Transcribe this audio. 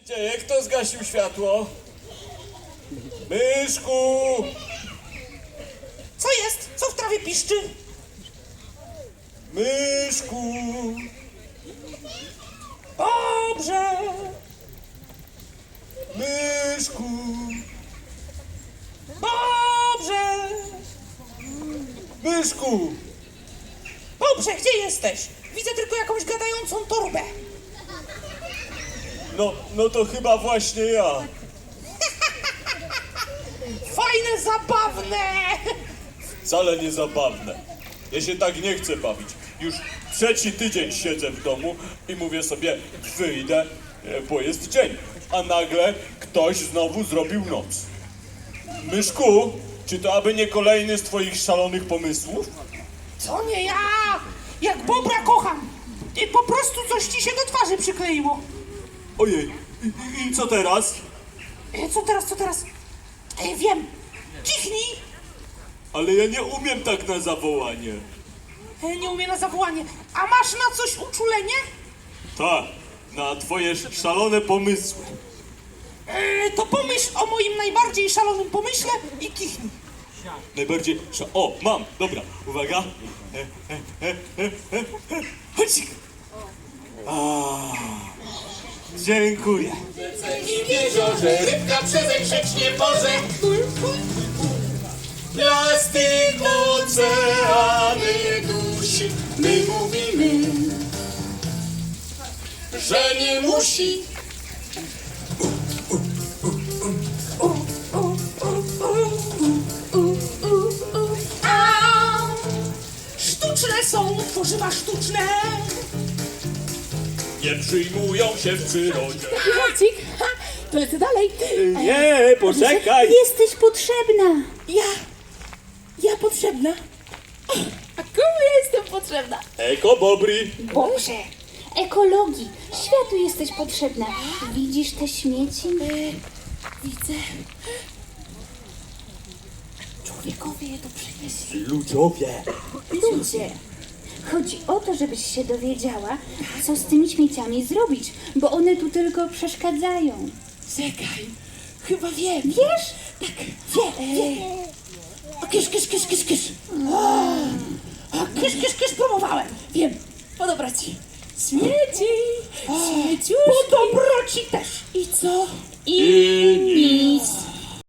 dzieje? Kto zgasił światło? Myszku! Co jest? Co w trawie piszczy? Myszku! Dobrze. Myszku! Dobrze. Myszku! Dobrze, gdzie jesteś? Widzę tylko jakąś gadającą torbę. No to chyba właśnie ja. Fajne, zabawne. Wcale nie zabawne. Ja się tak nie chcę bawić. Już 3. tydzień siedzę w domu i mówię sobie, wyjdę, bo jest dzień. A nagle ktoś znowu zrobił noc. Myszku, czy to aby nie kolejny z twoich szalonych pomysłów? To nie ja. Jak Bobra kocham. I po prostu coś ci się do twarzy przykleiło. Ojej, i co teraz? Co teraz? Wiem. Kichnij. Ale ja nie umiem tak na zawołanie. Nie umiem na zawołanie. A masz na coś uczulenie? Tak, na twoje szalone pomysły. To pomyśl o moim najbardziej szalonym pomyśle i kichnij. Najbardziej... O, mam, dobra, uwaga. Chodź. Dziękuję. I w jeziorze rybka przezeń nie może. Plastik oceany dusi. My mówimy, że nie musi. A sztuczne są tworzywa sztuczne. Nie przyjmują się w przyrodzie. Marcik, to lecę dalej. Nie, poczekaj. Jesteś potrzebna. Ja potrzebna? A komu ja jestem potrzebna? Eko Bobri. Boże, ekologii. Światu jesteś potrzebna. Widzisz te śmieci? Widzę. Człowiekowie je tu przynieśli. Ludziowie. Ludzie. Chodzi o to, żebyś się dowiedziała, co z tymi śmieciami zrobić, bo one tu tylko przeszkadzają. Czekaj, chyba wiem. Wiesz? Tak, wiem. O, kysz. Kysz, próbowałem. Wiem, podobra ci. Śmieci, śmieciuszki. Po dobroci też. I co? I nic.